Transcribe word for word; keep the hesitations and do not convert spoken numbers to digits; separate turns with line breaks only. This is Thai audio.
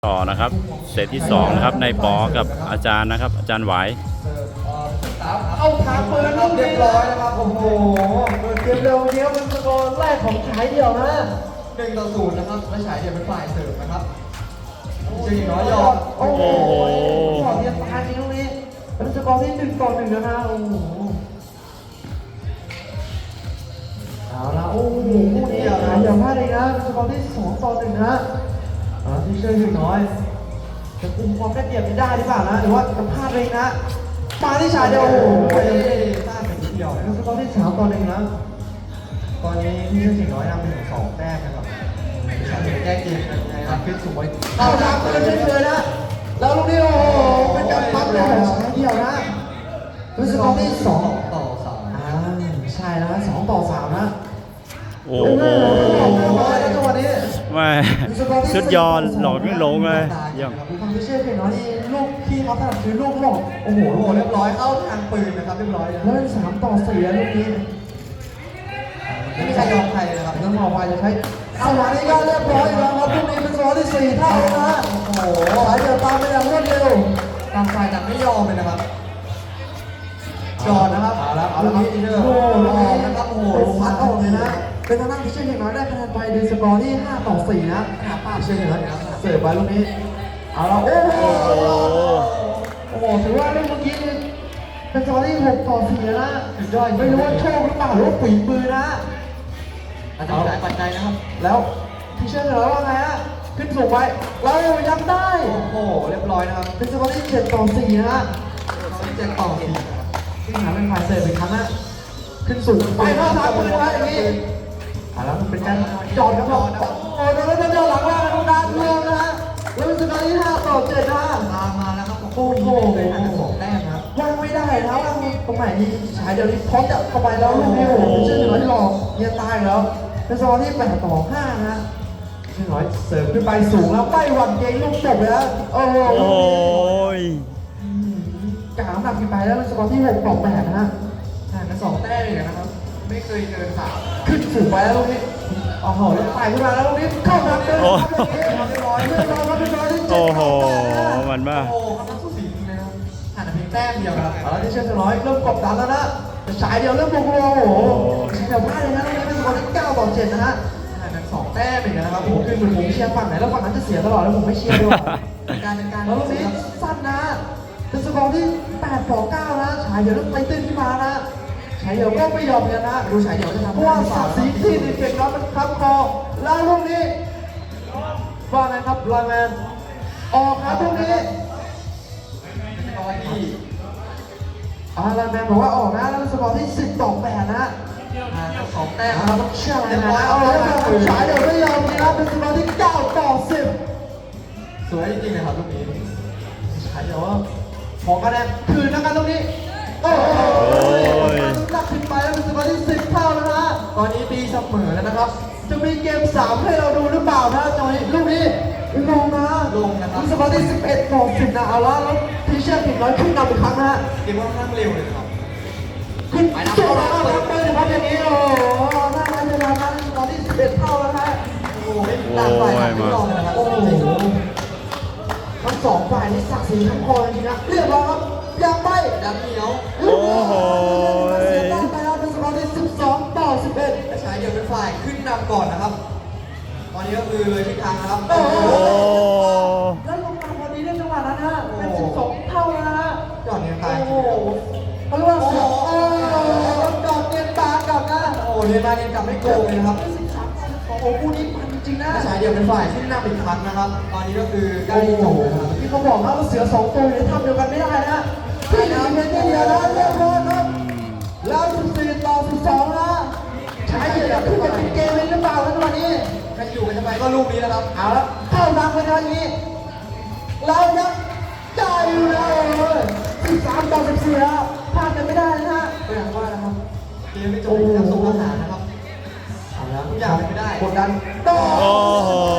ต่อนะครับเซตที่สองนะครับในปอกับอาจารย์นะครับอาจารย์ไหว
เข้าทางปืนเรียบร้อยนะครับโอ้โหเกมเร็วเดียวเป็นสกอร์แรกของฉายเดี่ยวนะหนึ่งต่อศูนย์นะครับและฉายเดี่ยวเป็นฝ่ายเสิร์ฟนะครับเจีน้อยยอดโอ้โหยอดเยียมตายจริงตรงนี้เป็นสกอร์ที่หนึ่งต่อหนึ่งแล้วนะโอ้โหเอาละโอ้โหคู่นี้ฉายเดี่ยวพลาดเลยนะเป็นสกอร์ที่สองต่อหนึ่งนะที่เชื่อถึงน้อยจะคุมความได้เปรียบได้หรือเปล่านะหรือว่าจะพลาดเลยนะมาที่ฉายเดียวโอ้โหพลาดไปนิดเดียวนะครับสกอร์ที่สามต่อหนึ่งนะตอนนี้ที่เชื่อถึงน้อยนำเป็นสองแต้มนะครับฉายเดียวแก้เกมนะครับขึ้นสูงไว้เอาทางกันเฉยๆนะแล้วลูกนี้โอ้โหเป็นการปั๊บเลยของฉายเดียวนะเป็นสกอร์ที่สองต่อสามอ่าใช่นะสองต่อสามนะ
โอ้โหไม่สุดยอดหลอกไม่ลงเลยยัง
ความที่เชื่อเพียงน้อยนี่ลูกที่เขาถนัดคือลูกหลอกโอ้โหโหเรียบร้อยเข้าทางปืนนะครับเรียบร้อยแล้วเป็นสามต่อสี่แล้วลูกนี้ไม่มีใครยอมใครนะครับต้องมองว่าจะใช้สมาธิก็เรียบร้อยแล้วครับลูกนี้เป็นสกอร์ที่สี่เท่านะโอ้โหสายเดียวตามไปอย่างรวดเร็วต่างฝ่ายต่างไม่ยอมเลยนะครับจอดนะครับเอาละเอาละครับอีเดอร์โอ้โหนะครับโอ้โหพัดออกเลยนะเป็นทางด้านพิเชษเพียงน้อยได้คะแนนไปในสกอร์ที่ห้าต่อสี่นะพิเชษเพียงน้อยเสิร์ฟไปลูกนี้เอาละโอ้โหโอ้โหถือว่าเรื่องเมื่อกี้เป็นสกอร์ที่หกต่อสี่นะสุดยอดไม่รู้ว่าโชคหรือเปล่าหรือว่าฝีมือนะอาจจะหลายปัจจัยนะครับแล้วพิเชษเพียงน้อยว่าไงฮะขึ้นสูงไปแล้วยังได้โอ้โหเรียบร้อยนะครับเป็นสกอร์ที่เจ็ดต่อสี่นะเจ็ดต่อสี่ที่หาเป็นฝ่ายเสิร์ฟอีกครั้งนะขึ้นสูงไปเข้าทางปืนไว้อย่างนี้อ่าแล้วมันเป็นการจอดครับผมโอ้โหแล้วจะเจอหลังว่าตรงด้านเมืองนะฮะแล้วเป็นสกอร์ที่ห้าต่อเจ็ดนะตามมาแล้วครับโอ้โหเป็นอันดับสองแต้มครับว่างไม่ได้นะว่างตรงไหนที่ฉายเดี๋ยวนี้พร้อมจะเข้าไปแล้วลูกนี้โอ้โหเป็นเชื่อหนึ่งร้อยที่หลอกเยียตายแล้วเป็นสกอร์ที่แปดต่อห้านะหนึ่งร้อยเสิร์ฟขึ้นไปสูงแล้วไม่หวั่นเกรงลูกจบเลยนะโอ้โหกลางหนักขึ้นไปแล้วเป็นสกอร์ที่หกต่อแปดนะฮะห่างกันสองแต้มเลยนะครับไม่เคยเกินสามขึ้นสูงไปแล้วลูกนี้โอ้โหไต่ขึ้นมาแล้วลูกนี้เข้าทางเดินเรียบร้อยเรียบร้อยเรียบร้อยที่เจ็ด
โอ้โหมันบ้า
โอ้โหครับสู้สีนะครับห่างกันเพียงแต้มเดียวครับแล้วที่เชื่อถือน้อยเริ่มกดดันแล้วนะแต่ฉายเดียวเริ่มโกงโอ้โหเดี๋ยวพลาดเลยนะลูกนี้เป็นสกอร์ที่เก้าต่อเจ็ดนะฮะห่างกันสองแต้มเองนะครับผมคือเหมือนผมเชียร์ฝั่งไหนแล้วฝั่งนั้นจะเสียตลอดแล้วผมไม่เชียร์ด้วยการเป็นการแล้วลูกนี้สั้นนะเป็นสกอร์ที่แปดต่อเก้านะฉายเดียวเริ่มไต่ตื้นขึ้นมานะฉายเดี่ยวก็ไม่ยอมกันนะดูฉายเดี่ยวจะทำเพราะว่าศักดิ์ศรีที่ดีเก่งน้อยมันค้ำคอแล้วลูกนี้ว่าไงครับไลน์แมนออกครับลูกนี้เป็นสกอร์ที่อ่าไลน์แมนบอกว่าออกนะแล้วเป็นสกอร์ที่สิบต่อแปดนะอ่าสองแต้มเราต้องเชื่อเลยนะเอาเลยครับฉายเดี่ยวไม่ยอมนะครับเป็นสกอร์ที่เก้าต่อสิบสวยจริงๆเลยครับลูกนี้ฉายเดี่ยวว่าของคะแนนคืนนะครับลูกนี้โอ้โหหนักขึ้นไปแล้วเป็นสกอร์ที่สิบเท่าแล้วนะตอนนี้ตีเสมอแล้วนะครับจะมีเกมสามให้เราดูหรือเปล่านะจังหวะนี้ลูกนี้ลงนะลงนะครับสกอร์ที่สิบเอ็ดต่อสิบนะเอาละแล้วทีเชื่อผิดน้อยขึ้นนำอีกครั้งนะเกมค่อนข้างเร็วเลยครับขึ้นไปนะเอาละครับไปนะครับอย่างนี้โอ้โหน่ารักเลยนะสกอร์ที่สิบเอ็ดเท่าแล้วนะโอ้โหต่างฝ่ายต่างไม่ยอมเลยนะครับโอ้โหทั้งสองฝ่ายนี่ศักดิ์ศรีทั้งคอจริงๆนะเรียบร้อยครับยังไม่ดังเหนียวโอ้โหเสียตั้งไปแล้วเป็นสกอร์ที่สิบสองต่อสิบเอ็ดและชายเดียวเป็นฝ่ายขึ้นนำก่อนนะครับตอนนี้ก็คือเลยทิศทางนะครับโอ้โหแล้วลงมาพอดีเล่นจังหวะนั้นนะเป็นสิบสองเท่าแล้วนะจอดเนียนตาโอ้โหเขาเรียกว่าโอ้โหจอดเนียนตากลับนะโอ้เนียนตาเนียนกลับไม่โกงเลยนะครับสิบสามโอ้โหคู่นี้มันจริงนะชายเดียวเป็นฝ่ายขึ้นนำอีกครั้งนะครับตอนนี้ก็คือใกล้จบแล้วที่เขาบอกว่าเสือสองตัวอยู่ในถ้ำเดียวกันไม่ได้นะพี่น้ำเป็นเดียวนะเรียบร้อยครับแล้วสิบสี่ต่อสิบสองนะชายเดียวขึ้นไปเป็นเกมเลยหรือเปล่าในวันนี้ใครอยู่กันทำไมก็ลูกนี้นะครับเอาละเข้าทางไปทางนี้เรายังได้อยู่เลยสิบสามต่อสิบสี่แล้วพลาดกันไม่ได้นะฮะก็อย่างว่านะครับเกมไม่จบยังส่งอาหารนะครับเอาละทุกอย่างเป็นไม่ได้กดดันต่อ